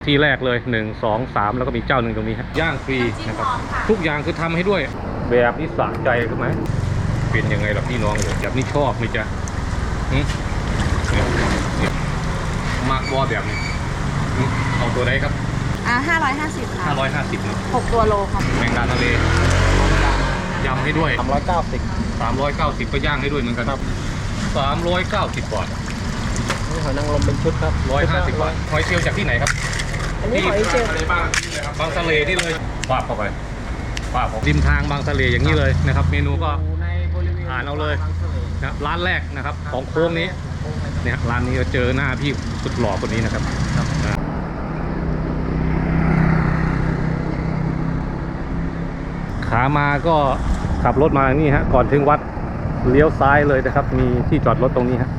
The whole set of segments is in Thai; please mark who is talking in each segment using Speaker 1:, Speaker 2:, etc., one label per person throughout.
Speaker 1: ที่แรกเลย1 2 3แล้วก็มีเจ้าหนึ่งตรงนี้ครับย่างฟรีนะครับทุกอย่างคือทำให้ด้วยแบบนี้สะใจใช่ไหมเป็นยังไงล่ะพี่น้องแบบนี้ชอบไหมจ๊ะมากว่าแบบนี้เอาตัวไหนครับ
Speaker 2: 550ค่ะ
Speaker 1: 550นะ
Speaker 2: 6ตัวโลครับ
Speaker 1: แมงดาทะเลยำให้ด้วย390ก็ย่างให้ด้วยเหมือนกันครับ390 บาท
Speaker 3: นี่หอยนางรมเป็นชุดครับ
Speaker 1: 150 บาทหอยเชลล์จากที่ไหนครับ
Speaker 2: อันนี้หอยเชลล์
Speaker 1: บางทะเลนี่เลยปาบเข้าไปปาบริมทางบางทะเลอย่างนี้เลยนะครับเมนูก็อ่านเอาเลยนะร้านแรกนะครับของโค้งนี้เนี่ยร้านนี้เราเจอหน้าพี่สุดหล่อคนนี้นะครับขามาก็ขับรถมานี่ฮะก่อนถึงวัดเลี้ยวซ้ายเลยนะครับมีที่จอดรถตรงนี้ฮะ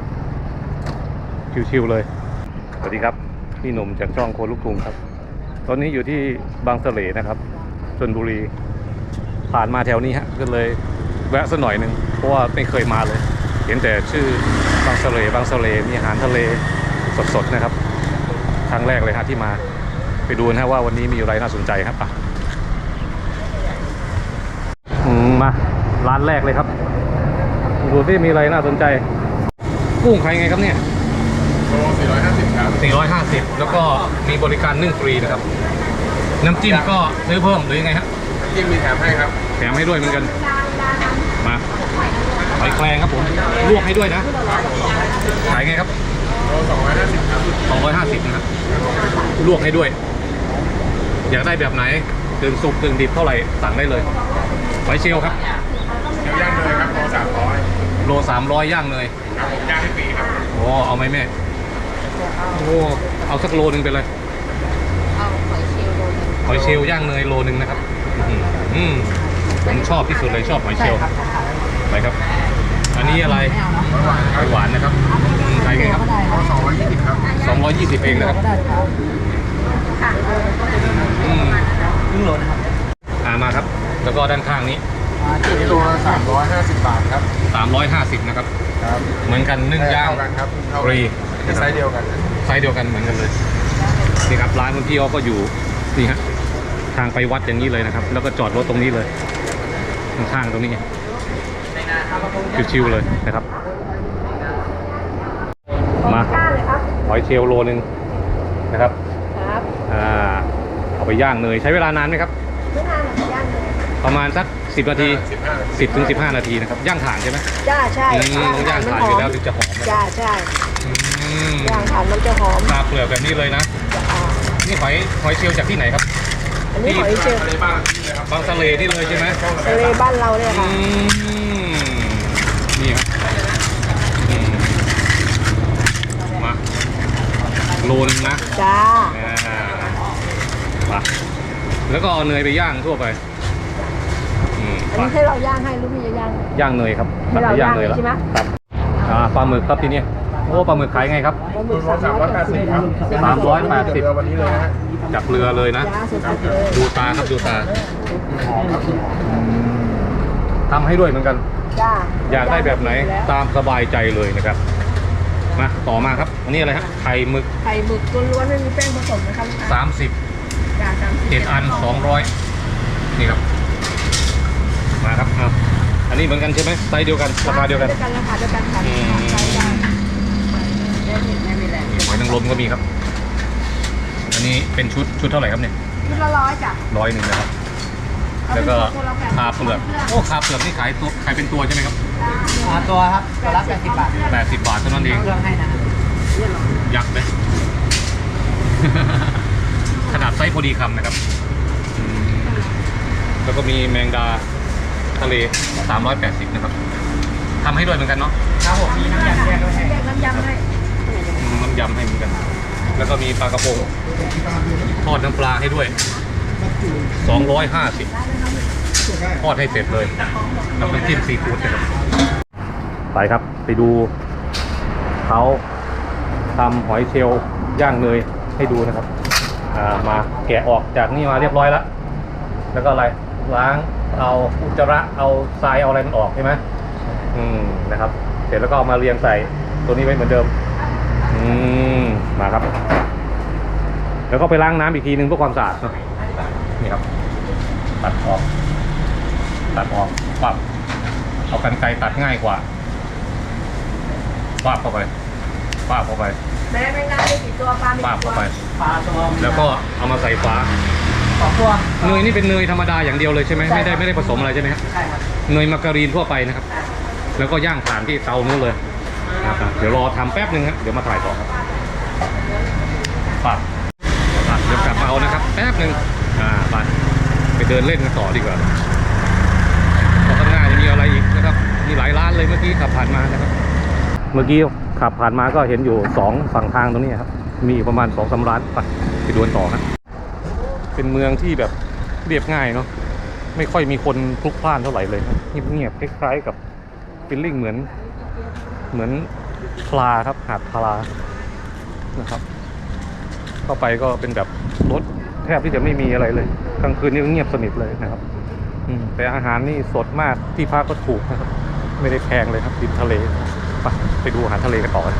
Speaker 1: ชิวๆเลยสวัสดีครับพี่หนุ่มจากช่องโคลูกกรุงครับตอนนี้อยู่ที่บางสะเลนะครับชลบุรีผ่านมาแถวนี้ฮะก็เลยแวะสักหน่อยหนึ่งเพราะว่าไม่เคยมาเลยเห็นแต่ชื่อบางสะเลมีอาหารทะเลสดๆนะครับครั้งแรกเลยฮะที่มาไปดูนะว่าวันนี้มีอะไรน่าสนใจครับมาร้านแรกเลยครับดูที่มีอะไรน่าสนใจกุ้งใครไงครับเนี่ย
Speaker 3: โล450ครับ
Speaker 1: 450แล้วก็มีบริการนึ่งฟรีนะครับน้ำจิ้มก็ซื้อเพิ่มหรือยังไงฮะ
Speaker 3: น้ำจิ้มมีแถมให้ครับ
Speaker 1: แถมให้ด้วยเหมือนกันมาหอยแครงครับผมลวกให้ด้วยนะขายไงครับ
Speaker 3: โล250ครับ
Speaker 1: 250นะครับลวกให้ด้วยอยากได้แบบไหนตึงสุกตึงดิบเท่าไหร่สั่งได้เลยหอยเชลล์ครับ
Speaker 3: เดี๋ยวย่างเลยครับ
Speaker 1: โล300ย่างเลย
Speaker 3: ครับผมย่างให้ฟรีครับ
Speaker 1: โอ้เอาไหมแม่โอ้เอาสักโลนึงไปเลย
Speaker 2: เอาหอยเชลล์
Speaker 1: ย่างเนยโลนึงนะครับผมชอบที่สุดเลยชอบหอยเชลล์ไปครับอันนี้อะไรหวานนะครับใส่ไงครับ
Speaker 3: 220ครับ
Speaker 1: 220เองนะครับ
Speaker 3: ครึ่งโลนะครับ
Speaker 1: มาครับแล้วก็ด้านข้างนี้
Speaker 3: นี่โล350 บาทครับ
Speaker 1: 350นะครับเหมือนกันนึ่งย่างฟรี
Speaker 3: ไซส์เดียวกัน
Speaker 1: เหมือนกันเลยนี่ครับร้านคุณพี่ก็อยู่นี่ฮะทางไปวัดอย่างนี้เลยนะครับแล้วก็จอดรถตรงนี้เลยข้างๆตรงนี้ชิวๆเลยนะครับมาหอยเชลล์โลนึงนะครับเอาไปย่างเนยใช้เวลานานไหมครับ
Speaker 2: ไม่นานหรอกย่างเลย
Speaker 1: ประมาณสัก10 นาที10 ถึง 15 นาทีนะครับย่างถ่านใช่ไหม
Speaker 2: ใช่
Speaker 1: ย่างถ่านอยู่แล้วถึงจะหอม
Speaker 2: ใช่ย่างถ่านมันจะหอม
Speaker 1: ปลาเปลือกแบบนี้เลยนะนี่หอยเชลล์จากที่ไหนครับ
Speaker 2: อันนี้หอยเชลล์
Speaker 1: บางทะเลนี่เลยใช่ไหม
Speaker 2: ทะเลบ้านเราเนี่ยค่ะ
Speaker 1: นี่ครับมาโลนึงนะ
Speaker 2: จ้า
Speaker 1: แล้วก็เอาเนยไปย่างทั่วไป
Speaker 2: อันนี้ให้เราย่างให้หรือพี่จะย่าง
Speaker 1: เนยครับ
Speaker 2: ให้เราย่างเลยใช่ไหม
Speaker 1: ครับปลาหมึกครับทีนี้โอ้ปลาหมึกขายไงครับ
Speaker 3: 380ครับ
Speaker 1: 380
Speaker 3: วันนี้เลยนะฮะ
Speaker 1: จากเรือเลยนะดูตาครับดูตาทำให้ด้วยเหมือนกันอยากได้แบบไหนตามสบายใจเลยนะครับมาต่อมาครับอันนี้อะไรครับไข่หมึก
Speaker 2: ล้วนๆไม่มีแป้งผสมนะครับ
Speaker 1: 7 อัน200นี่ครับมาครับอันนี้เหมือนกันใช่ไหมไซส์เดียวกันราคาเดียวกัน
Speaker 2: ค่ะ
Speaker 1: หอยนางรมก็มีครับอันนี้เป็นชุดเท่าไหร่ครับเนี่ย
Speaker 2: ชุดละ100จ้ะ
Speaker 1: 100นะครับแล้วก็คาเปลือกโอ้คาเปลือกนี่ขายเป็นตัวใช่ไหมครับ
Speaker 3: ตัวครับตัวละ80 บาท
Speaker 1: 80 บาทเท่านั้นเอง
Speaker 3: เครื่องให้นะ
Speaker 1: ยักษ์เลยขนาดไซส์พอดีคำนะครับแล้วก็มีแมงดาทะเล380นะครับทำให้ด้วยเหมือนกันเนาะ
Speaker 3: ครับผมมีน้ำยำแยกด้วยให้
Speaker 2: น้ำยำให้
Speaker 1: เหมือนกันแล้วก็มีปลากระพงทอดน้ำปลาให้ด้วย250ทอดให้เสร็จเลยแล้วเป็นจิ้มซีฟู้ดนะครับไปครับไปดูเขาทำหอยเชลล์ย่างเนยให้ดูนะครับมาแกะออกจากนี่มาเรียบร้อยแล้วก็อะไรล้างเอาอุจจาระเอาทรายเอาอะไรมันออกใช่ไหมนะครับเสร็จแล้วก็เอามาเรียงใส่ตัวนี้ไว้เหมือนเดิมมาครับแล้วก็ไปล้างน้ำอีกทีนึงเพื่อความสะอาดเนาะนี่ครับตัดออกปั๊บเอากรรไกรตัดง่ายกว่าปั๊บเข้าไป
Speaker 2: แม่ไม่ได้กี่ตัวปลาไม่
Speaker 1: ปั๊บ
Speaker 2: กี่ตัว
Speaker 1: เข้าไป
Speaker 3: ปลาตัว
Speaker 1: แล้วก็เอามาใส่ฝา
Speaker 3: 2 ตัว
Speaker 1: เนยนี่เป็นเนยธรรมดาอย่างเดียวเลยใช่ไหม
Speaker 3: ใช่
Speaker 1: ไม่ได้ผสมอะไรใช่ไหมครับ
Speaker 3: ใช่ครับ
Speaker 1: เนยมาการีนทั่วไปนะครับ แล้วก็ย่างถ่านที่เตานู้นเลยนะครับเดี๋ยวรอทำแป๊บนึงครับเดี๋ยวมาถ่ายต่อครับปั๊บเดี๋ยวกลับมาเอานะครับแป๊บนึงไปเดินเล่นกันต่อดีกว่าเพราะข้างหน้ายังมีอะไรอีกนะครับมีหลายร้านเลยเมื่อกี้ขับผ่านมานะครับเมื่อกี้ขับผ่านมาก็เห็นอยู่2ฝั่งทางตรงนี้ครับมีประมาณ2-3 ร้านไปดูกันต่อครับเป็นเมืองที่แบบเรียบง่ายเนาะไม่ค่อยมีคนพลุกพล่านเท่าไหร่เลยเงียบๆคล้ายๆกับฟีลลิ่งเหมือนพลาครับหาดพลานะครับเข้าไปก็เป็นแบบรถแทบที่จะไม่มีอะไรเลยกลางคืนนี่ก็เงียบสนิทเลยนะครับแต่อาหารนี่สดมากที่พักก็ถูกนะครับไม่ได้แพงเลยครับริมทะเลไปดูอาหารทะเลกันต่อกัน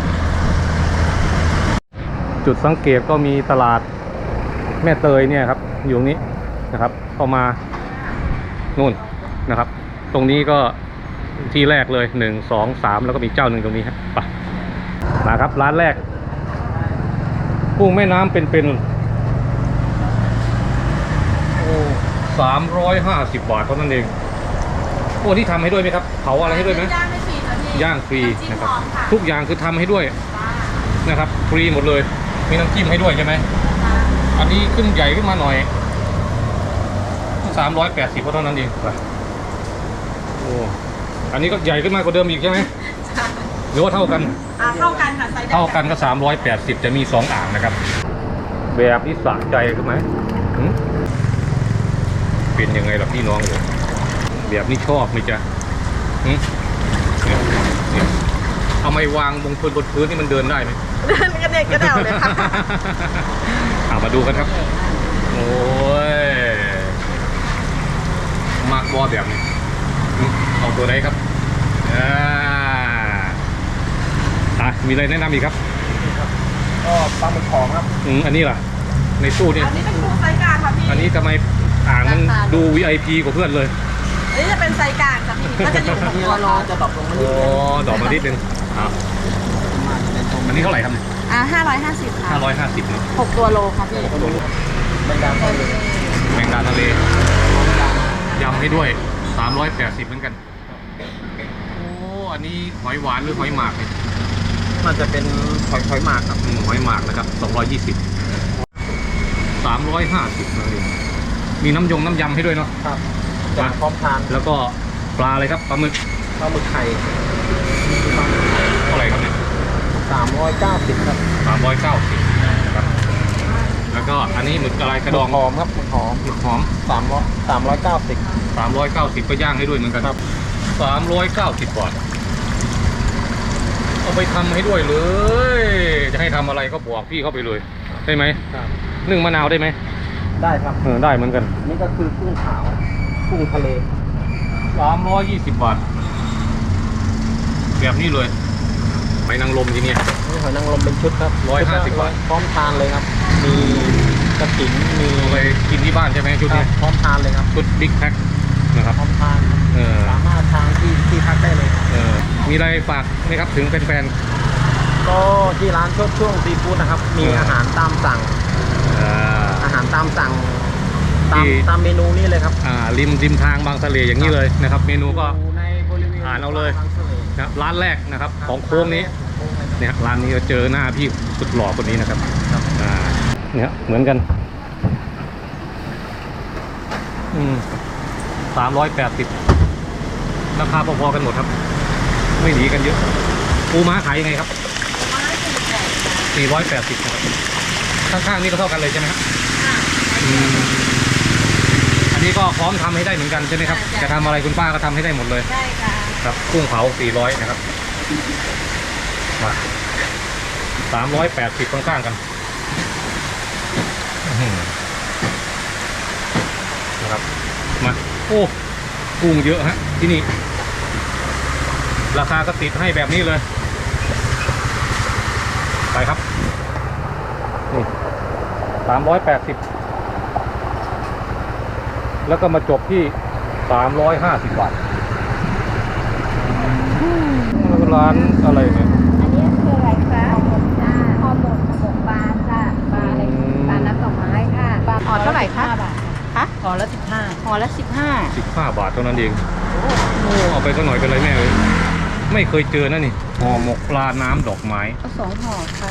Speaker 1: จุดสังเกตก็มีตลาดแม่เตยเนี่ยครับอยู่ตรงนี้นะครับเข้ามานู่นนะครับตรงนี้ก็ที่แรกเลย1 2 3แล้วก็มีเจ้าหนึ่งตรงนี้ครับไปมาครับร้านแรกกุ้งแม่น้ำเป็นโอ้350 บาทเท่านั้นเองพวกที่ทำให้ด้วยไหมครับเผาอะไรให้ด้วยไหม
Speaker 2: ย่างไม่ฟรีนะพี่
Speaker 1: ย่างฟรี
Speaker 2: ำจิ้ม
Speaker 1: นะครับ
Speaker 2: พร้อมค่ะ
Speaker 1: ทุกอย่างคือทำให้ด้วยนะครับฟรีหมดเลยมีน้ำจิ้มให้ด้วยใช่ไหมอันนี้ขึ้นใหญ่ขึ้นมาหน่อย380เท่านั้นเองโอ้อันนี้ก็ใหญ่ขึ้นมากว่าเดิมอีกใช่ไหมหรือว่าเท่ากัน
Speaker 2: เท่ากันค่ะไซส์
Speaker 1: เท่ากันก็380จะมี2 อ่างนะครับแบบนี้สะใจขึ้นไหมเป็นยังไงล่ะพี่น้องเลยแบบนี้ชอบไหมจ๊ะเนี่ยเอาไม้วางบนพื้นนี่มันเดินได้ไหม
Speaker 2: เดินกระเด็กกระเดวเลยค่ะ
Speaker 1: มาดูกันครับโอ้ยมากบอแบบนี้เอาตัวไหนครับมีอะไรแนะนำอีกครับ
Speaker 3: ก็ปลาหมึกของครับ
Speaker 1: อันนี้ล่ะในตู้นี่
Speaker 2: อันนี้เป็นปูไซส์กลางค่ะพี่
Speaker 1: อันนี้ทำไมอ่างมันดู VIP กว่าเพื่อนเลย
Speaker 2: อันนี้จะเป็นไซส์กลางค่ะพี่ก็จะอยู่
Speaker 3: อันนี้
Speaker 2: ตัว
Speaker 3: รา
Speaker 2: โล
Speaker 3: คาจะดรอปลงมา
Speaker 1: โอ้ดอกมานิดนึงอันนี้เท่าไหร่ครับเนี่ย
Speaker 2: 550ค่ะ
Speaker 1: 550เนาะ
Speaker 2: 6 ตัวโลค่ะพี่
Speaker 3: แบงดาทะเล
Speaker 1: แมงดาทะเลยำให้ด้วย380เหมือนกันโอ้อันนี้หอยหวานหรือหอยหมากเนี่ย
Speaker 3: มันจะเป็นหอยหมากครับ
Speaker 1: หอยหมากนะครับ220 350นะนี่มีน้ำยำให้ด้วยเนาะ
Speaker 3: ครับจะพร้อมทาน
Speaker 1: แล้วก็ปลาอะไรครับปลาหมึก
Speaker 3: ปลาหมึกไข่
Speaker 1: เท่าไหร่ครับเนี่ย
Speaker 3: 390ครับ
Speaker 1: 390นะครับแล้วก็อันนี้หมึกอะไรกระดอง
Speaker 3: หอมครับหมึกหอม
Speaker 1: หมึกหอม
Speaker 3: 390
Speaker 1: 390ก็ย่างให้ด้วยเหมือนกันครับ390 บาทเอาไปทำให้ด้วยเลย จะให้ทำอะไรก็บอกพี่เข้าไปเลยได้ไหม
Speaker 3: ครับ
Speaker 1: นึ่งมะนาวได้ไหม
Speaker 3: ได้ครับ
Speaker 1: ได้เหมือนกัน
Speaker 3: นี่ก็คือกุ้งขาวกุ้งทะเล
Speaker 1: 320 บาทแบบนี้เลยไปนางลมทีเนี้ย
Speaker 3: นี่หอยนางรมเป็นชุดครับ
Speaker 1: 150 บาท
Speaker 3: พร้อมทานเลยครับ มีกระถิ่นมี
Speaker 1: เอาไปกินที่บ้านใช่ไหมชุด
Speaker 3: ครั
Speaker 1: นี้
Speaker 3: บพร้อมทานเลยครับ
Speaker 1: ชุดบิ๊กแพ็คนะครับ
Speaker 3: พร้อมทานครับ สามารถทานที่พักได้เลยครับ
Speaker 1: มีอะไรฝากไหมครับถึงแฟน
Speaker 3: ก็ที่ร้านช่วงซีฟู้ดนะครับ มีอาหารตามสั่ง
Speaker 1: ๆ
Speaker 3: อาหารตามสั่ง
Speaker 1: ที่
Speaker 3: ตามเมนูนี้เลยครับ
Speaker 1: ริมทางบางทะเลอย่างนี้เลยนะครับ เมนูก็
Speaker 3: อยู่ในบริเวณ
Speaker 1: อ่านเอาเลย
Speaker 3: บางทะเล
Speaker 1: นะร้านแรกนะครับของโค้งนี้เนี่ยร้านนี้เราเจอหน้าพี่สุดหล่อคนนี้นะครับเนี่ยเหมือนกัน380ราคาพอๆกันหมดครับ ไม่หนีกันเยอะปูม้าขายยังไงครับ480นะครับข้างๆนี่ก็เท่ากันเลยใช่ไหมครับอันนี้ก็พร้อมทำให้ได้เหมือนกันใช่ไหมครับจะทำอะไรคุณป้าก็ทำให้ได้หมดเลย
Speaker 2: ได้ค่ะ
Speaker 1: ครับกุ้งเผา400นะครับมา380ข้างๆกันนะครับมาโอ้กุ้งเยอะฮะที่นี่ราคาก็ติดให้แบบนี้เลยไปครับนี่ 380 แล้วก็มาจบที่ 350 บาทร้านอะไรเนี่ย
Speaker 2: อันนี้คืออะไรคะห่อหมกจ้าห่อหมกปลาจ้าปลาอะไรปลาน้ำดอกไม้ค่ะห่อเท่าไหร่คะบาทคะห่อละ15ห่อละ
Speaker 1: 15 บาทเท่านั้นเองโอ้เอาไปสักหน่อยเป็นไรแม่เลยไม่เคยเจอนะนี่ห่อหมกปลาน้ำดอกไม้
Speaker 2: เอา2ห่อค่ะ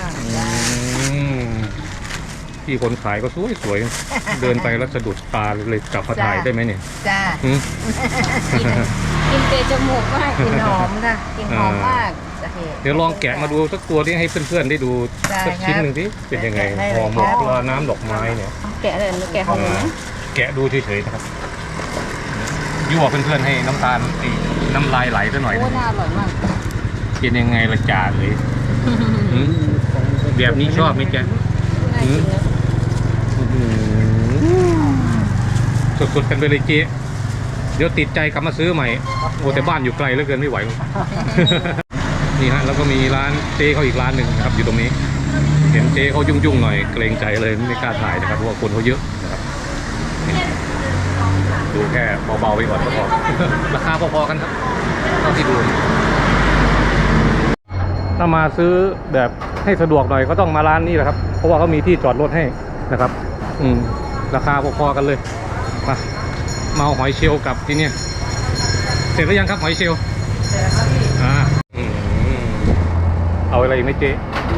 Speaker 1: ที่คนขายก็สวยๆ เดินไปแล้วสะดุดตาเลยจับมาถ่ายได้ไหมเนี่ย
Speaker 2: จ้า
Speaker 1: หืม
Speaker 2: กินเตะจมูกมากกินหอมค่ะกินหอมมาก
Speaker 1: เดี๋ยวลองแกะมาดูสักตัวที่ให้เพื่อนๆได้ดู
Speaker 2: ได้
Speaker 1: สักชิ้น
Speaker 2: ครับ
Speaker 1: หนึ่งที่เป็นยังไง
Speaker 2: ได้เลย
Speaker 1: ห่อหมก
Speaker 2: ครับ
Speaker 1: ปลาน้ำดอกไม้เนี่ย
Speaker 2: แกะเลยหรือแกะห่อหมกนะ
Speaker 1: แกะดูเฉยๆนะครับยั่วเพื่อนๆให้น้ำตาลน้ำลายไหลซะหน่อย
Speaker 2: โอ้
Speaker 1: นะ
Speaker 2: น่าอร่อยมาก
Speaker 1: เป็นยังไงละจ่าเลยหืมแบบนี้ชอบไหมแก
Speaker 2: น่ากินนะ
Speaker 1: สุดๆกันไปเลยเจ๊เดี๋ยวติดใจกลับมาซื้อใหม่โอ้แต่บ้านอยู่ไกลเหลือเกินไม่ไหว นี่ฮะแล้วก็มีร้านเจ๊เขาอีกร้านหนึ่งนะครับอยู่ตรงนี้ เห็นเจ๊เขายุ่งๆหน่อยเกรงใจเลยไม่กล้าถ่ายนะครับเพราะว่าคนเขาเยอะนะครับนี่ดูแค่เบาๆไปก่อนก็พอ ราคาพอๆกันครับเท่าที่ดูถ้ามาซื้อแบบให้สะดวกหน่อยก็ต้องมาร้านนี้แหละครับเพราะว่าเขามีที่จอดรถให้นะครับราคาพอๆกันเลยมาเอาหอยเชลล์กลับที่เนี่ยเสร็จแล้วยังครับหอยเชลล์เอาอะไรอีกไหมเจ๊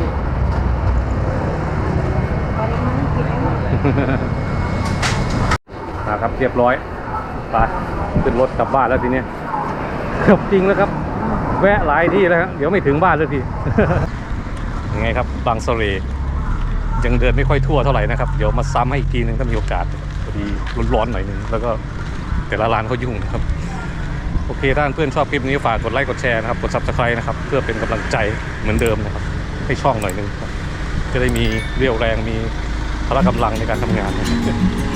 Speaker 1: ครับเรียบร้อยไปขึ้นรถกลับบ้านแล้วทีเนี้ยเกือบจริงแล้วครับแวะหลายที่แล้วครับเดี๋ยวไม่ถึงบ้านแล้วที ยังไงครับบางสะเลยังเดินไม่ค่อยทั่วเท่าไหร่นะครับเดี๋ยวมาซ้ำให้อีกทีนึงถ้ามีโอกาสพอดีร้อนๆหน่อยนึงแล้วก็แต่ละร้านเขายุ่งนะครับโอเคถ้าเพื่อนชอบคลิปนี้ฝากกดไลค์กดแชร์นะครับกด Subscribe นะครับเพื่อเป็นกำลังใจเหมือนเดิมนะครับให้ช่องหน่อยนึงครับจะได้มีเรี่ยวแรงมีพละกำลังในการทำงาน